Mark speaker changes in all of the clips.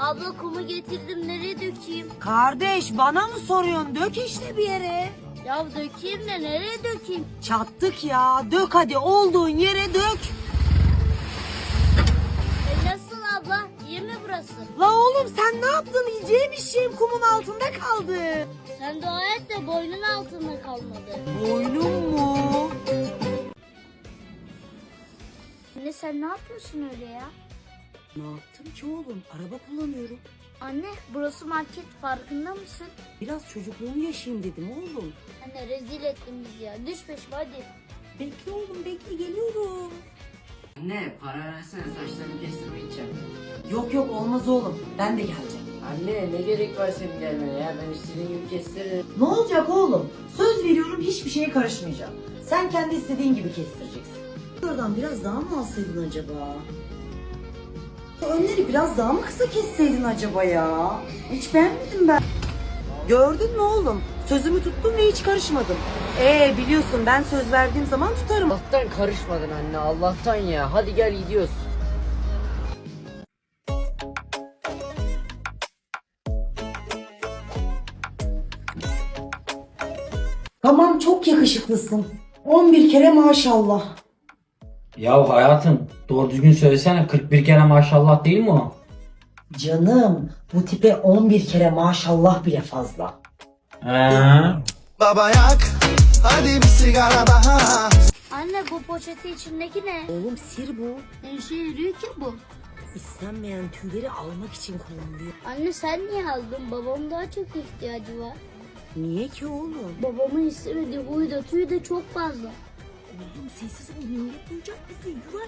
Speaker 1: Abla kumu getirdim, nereye dökeyim?
Speaker 2: Kardeş bana mı soruyorsun? Dök işte bir yere.
Speaker 1: Ya dökeyim de nereye dökeyim?
Speaker 2: Çattık ya. Dök hadi, olduğun yere dök.
Speaker 1: Nasıl abla? İyi mi burası?
Speaker 2: La oğlum sen ne yaptın? Yiyeceğim işim kumun altında kaldı.
Speaker 1: Sen dua et de boynun altında kalmadı.
Speaker 2: Boynum mu?
Speaker 1: Anne sen ne yapıyorsun öyle ya?
Speaker 2: Ne yaptım ki oğlum? Araba kullanıyorum.
Speaker 1: Anne burası market, farkında mısın?
Speaker 2: Biraz çocukluğumu yaşayayım dedim oğlum.
Speaker 1: Anne rezil ettin bizi ya. Düş peşime hadi.
Speaker 2: Bekle oğlum, bekle, geliyorum.
Speaker 3: Anne para versene, saçlarımı kestirmeyeceğim.
Speaker 2: Yok yok, olmaz oğlum. Ben de geleceğim.
Speaker 3: Anne ne gerek var senin gelmene ya, ben istediğim gibi kestiririm.
Speaker 2: Ne olacak oğlum? Söz veriyorum, hiçbir şeye karışmayacağım. Sen kendi istediğin gibi kestireceksin. Buradan biraz daha mı alsaydın acaba? Önleri biraz daha mı kısa kesseydin acaba ya? Hiç beğenmedim ben. Gördün mü oğlum? Sözümü tuttum ve hiç karışmadım. Biliyorsun ben söz verdiğim zaman tutarım.
Speaker 3: Allah'tan karışmadın anne, Allah'tan ya. Hadi gel gidiyoruz.
Speaker 2: Tamam, çok yakışıklısın. 11 kere maşallah.
Speaker 4: Ya hayatım doğru düzgün söylesene, 41 kere maşallah değil mi o?
Speaker 2: Canım, bu tipe 11 kere maşallah bile fazla.
Speaker 5: Baba yak, hadi bir sigara daha.
Speaker 1: Anne bu poşeti içindeki ne?
Speaker 2: Oğlum sir bu.
Speaker 1: Ne işe yarıyor ki bu?
Speaker 2: İstenmeyen tüyleri almak için kullanılıyor.
Speaker 1: Anne sen niye aldın? Babam daha çok ihtiyacı var.
Speaker 2: Niye ki oğlum?
Speaker 1: Babamın istemediği huyu da tüyü de çok fazla.
Speaker 2: Oğlum sessiz ol, duyacak bizi. Yürü.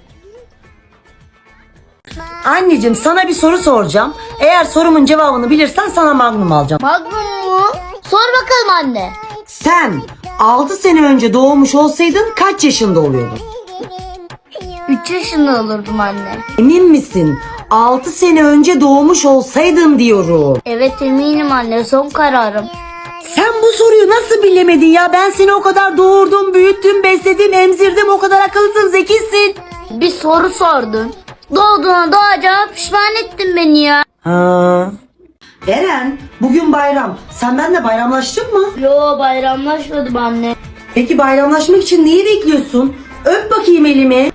Speaker 2: Anneciğim sana bir soru soracağım. Eğer sorumun cevabını bilirsen sana magnum alacağım.
Speaker 1: Magnum mu? Sor bakalım anne.
Speaker 2: Sen 6 sene önce doğmuş olsaydın kaç yaşında oluyordun?
Speaker 1: 3 yaşında olurdum anne.
Speaker 2: Emin misin? 6 sene önce doğmuş olsaydın diyorum.
Speaker 1: Evet eminim anne, son kararım.
Speaker 2: Sen bu soruyu nasıl bilemedin ya? Ben seni o kadar doğurdum, büyüttüm, besledim, emzirdim. O kadar akıllısın, zekisin.
Speaker 1: Bir soru sordun. Doğduğuna doğacağına pişman ettin beni ya.
Speaker 2: Ha. Eren, bugün bayram. Sen benimle bayramlaştın mı?
Speaker 1: Yo bayramlaşmadım anne.
Speaker 2: Peki bayramlaşmak için neyi bekliyorsun? Öp bakayım elimi.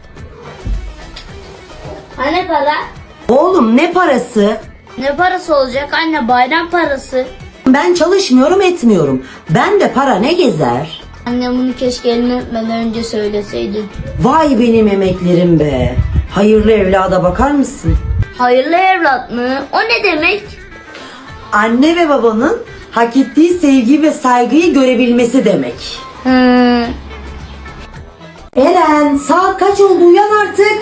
Speaker 1: Anne para?
Speaker 2: Oğlum ne parası?
Speaker 1: Ne parası olacak anne, bayram parası.
Speaker 2: Ben çalışmıyorum, etmiyorum. Ben de para ne gezer?
Speaker 1: Anne bunu keşke elini öpmeden önce söyleseydin.
Speaker 2: Vay benim emeklerim be. Hayırlı evlada bakar mısın?
Speaker 1: Hayırlı evlat mı? O ne demek?
Speaker 2: Anne ve babanın hak ettiği sevgi ve saygıyı görebilmesi demek. Eren, saat kaç oldu, uyan artık.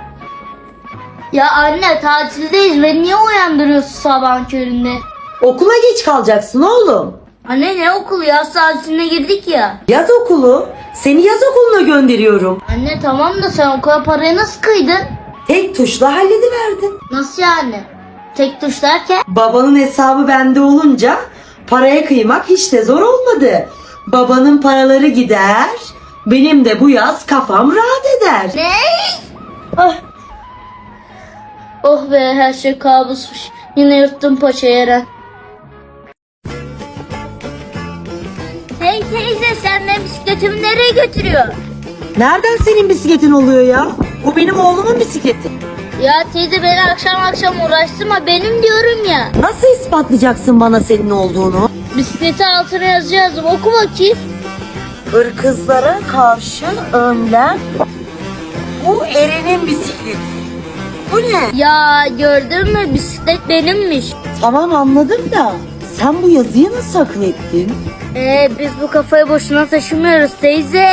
Speaker 1: Ya anne tatildeyiz, beni niye uyandırıyorsun sabahın köründe?
Speaker 2: Okula geç kalacaksın oğlum.
Speaker 1: Anne ne okulu, yaz tatiline girdik ya.
Speaker 2: Yaz okulu. Seni yaz okuluna gönderiyorum.
Speaker 1: Anne tamam da sen okula parayı nasıl kıydın?
Speaker 2: Tek tuşla hallediverdim.
Speaker 1: Nasıl yani? Tek tuş derken?
Speaker 2: Babanın hesabı bende olunca paraya kıymak hiç de zor olmadı. Babanın paraları gider, benim de bu yaz kafam rahat eder.
Speaker 1: Ne? Ah. Oh be, her şey kabusmuş. Yine yırttım paçayı Eren. Hey teyze, sen benim bisikletimi nereye götürüyorsun?
Speaker 2: Nereden senin bisikletin oluyor ya? Bu benim oğlumun bisikleti.
Speaker 1: Ya teyze beni akşam akşam uğraştırma, benim diyorum ya.
Speaker 2: Nasıl ispatlayacaksın bana senin olduğunu?
Speaker 1: Bisikleti altına yazıyorum, oku bakayım.
Speaker 2: Hırkızlara karşı önlem. Bu Eren'in bisikleti. Bu ne?
Speaker 1: Ya gördün mü, bisiklet benimmiş.
Speaker 2: Tamam anladım da sen bu yazıyı nasıl akıl ettin?
Speaker 1: Biz bu kafayı boşuna taşımıyoruz teyze.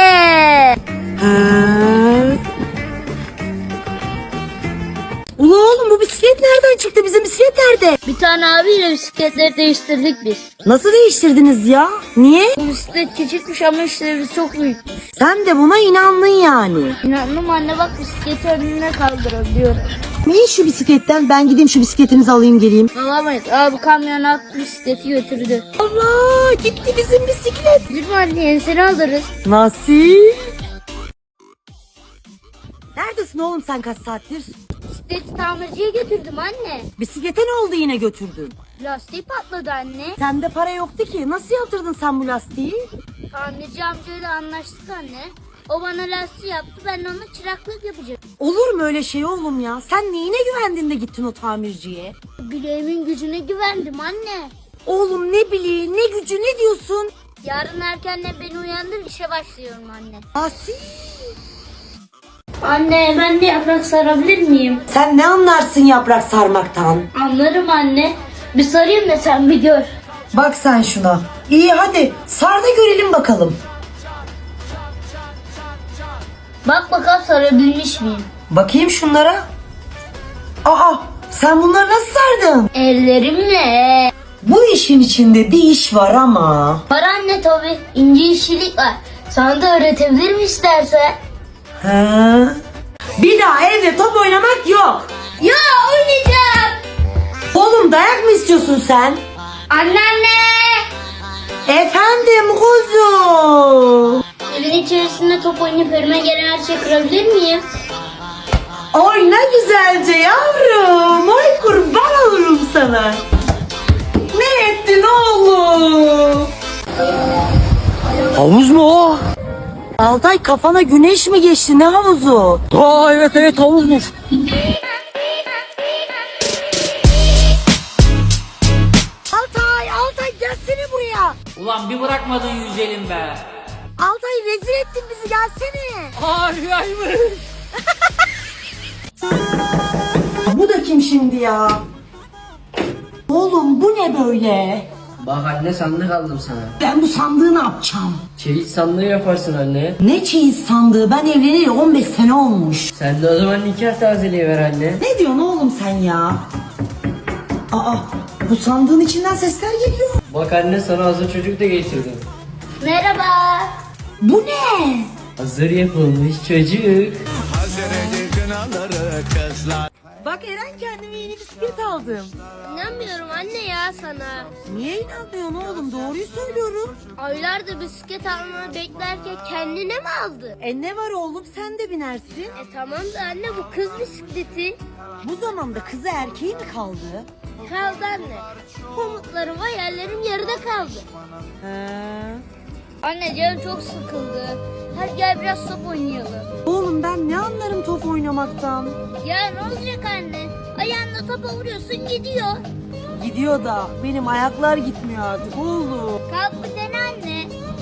Speaker 2: Ula oğlum, bu bisiklet nereden çıktı? Bizim bisiklet nerede?
Speaker 1: Bir tane abiyle bisikletleri değiştirdik biz.
Speaker 2: Nasıl değiştirdiniz ya? Niye?
Speaker 1: Bu bisiklet küçükmüş ama işlevi çok büyükmüş.
Speaker 2: Sen de buna inandın yani.
Speaker 1: İnandım anne, bak bisikleti önüne kaldırabiliyorum.
Speaker 2: İn şu bisikletten, ben gideyim şu bisikletinizi alayım geleyim.
Speaker 1: Alamayız. Abi kamyon attı, bisikleti götürdü.
Speaker 2: Allah, gitti bizim bisiklet.
Speaker 1: Bizim anne yenisini alırız.
Speaker 2: Nasıl? Neredesin oğlum sen kaç saattir?
Speaker 1: Bisikleti tamirciye götürdüm anne.
Speaker 2: Bisiklete ne oldu yine götürdün?
Speaker 1: Lastiği patladı anne.
Speaker 2: Sende para yoktu ki. Nasıl yaptırdın sen bu lastiği?
Speaker 1: Tamirci amcayla anlaştık anne. O bana lastiği yaptı, ben de ona çıraklık yapacağım.
Speaker 2: Olur mu öyle şey oğlum ya? Sen neyine güvendin de gittin o tamirciye?
Speaker 1: Bileğimin gücüne güvendim anne.
Speaker 2: Oğlum ne bileyim, ne gücü, ne diyorsun?
Speaker 1: Yarın erkenden beni uyandır, işe başlıyorum anne.
Speaker 2: Asi.
Speaker 1: Anne, ben de yaprak sarabilir miyim?
Speaker 2: Sen ne anlarsın yaprak sarmaktan?
Speaker 1: Anlarım anne. Bir sarayım da sen bir gör.
Speaker 2: Bak sen şuna. İyi hadi sar da görelim bakalım.
Speaker 1: Bak bakalım sarabilmiş miyim?
Speaker 2: Bakayım şunlara. Aa, sen bunları nasıl sardın?
Speaker 1: Ellerimle.
Speaker 2: Bu işin içinde bir iş var ama.
Speaker 1: Var anne tabi. İnce işçilik var. Sana da öğretebilirim istersen.
Speaker 2: Ha. Bir daha evde top oynamak yok.
Speaker 1: Ya oynayacağım.
Speaker 2: Oğlum dayak mı istiyorsun sen?
Speaker 1: Anneanne.
Speaker 2: Efendim kuzum.
Speaker 1: Evin içerisinde top oynayıp önüme gelen her şeyi kırabilir miyim?
Speaker 2: Oyna güzelce yavrum. Oy kurban olurum sana. Ne ettin oğlum?
Speaker 6: Havuz mu o?
Speaker 2: Altay kafana güneş mi geçti, ne havuzu?
Speaker 6: Aa evet havuzmuş.
Speaker 2: Altay gelsene buraya.
Speaker 4: Ulan bir bırakmadın yüzelim be.
Speaker 2: Altay rezil ettin bizi, gelsene.
Speaker 6: Harikaymış.
Speaker 2: Bu da kim şimdi ya? Oğlum bu ne böyle?
Speaker 3: Bak anne sandık aldım sana.
Speaker 2: Ben bu sandığı ne yapacağım?
Speaker 3: Çeyiz sandığı yaparsın anne.
Speaker 2: Ne çeyiz sandığı, ben evleneli 15 sene olmuş.
Speaker 3: Sen de o zaman nikah tazeliği ver anne.
Speaker 2: Ne diyorsun oğlum sen ya? Aa, bu sandığın içinden sesler geliyor.
Speaker 3: Bak anne sana hazır çocuk da getirdim.
Speaker 1: Merhaba.
Speaker 2: Bu ne?
Speaker 3: Hazır yapılmış çocuk.
Speaker 2: Bak Eren, kendime yeni bisiklet aldım.
Speaker 1: İnanmıyorum anne ya sana.
Speaker 2: Niye inanmıyorsun oğlum, doğruyu söylüyorum.
Speaker 1: Aylardır bisiklet almanı beklerken kendine mi aldı?
Speaker 2: Ne var oğlum, sen de binersin.
Speaker 1: Tamam da anne bu kız bisikleti.
Speaker 2: Bu zamanda kızı erkeği mi kaldı?
Speaker 1: Kaldı anne. Umutlarım, hayallerim yarıda kaldı. Anne canım çok sıkıldı. Hadi gel biraz top oynayalım.
Speaker 2: Oğlum ben ne anlarım top oynamaktan.
Speaker 1: Ya ne olacak anne? Ayağınla topa vuruyorsun gidiyor.
Speaker 2: Gidiyor da benim ayaklar gitmiyor artık oğlum.
Speaker 1: Kalk bir dene anne.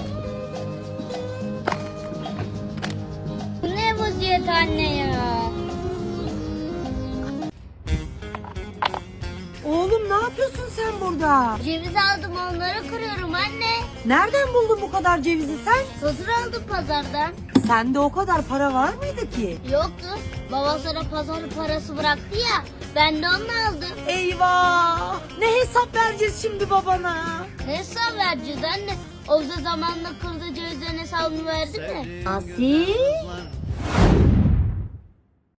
Speaker 1: Bu ne vaziyet anne ya?
Speaker 2: Oğlum ne yapıyorsun sen burada?
Speaker 1: Ceviz aldım, onları kırıyorum anne.
Speaker 2: Nereden buldun bu kadar cevizi sen?
Speaker 1: Hazır aldım pazardan.
Speaker 2: Sende o kadar para var mıydı ki?
Speaker 1: Yoktu. Baba sana pazar parası bıraktı ya. Ben de onu aldım.
Speaker 2: Eyvah! Ne hesap vereceğiz şimdi babana?
Speaker 1: Ne hesap vereceğiz anne? O da zamanla kırdı cevizlerin hesabını verdi mi?
Speaker 2: Asi?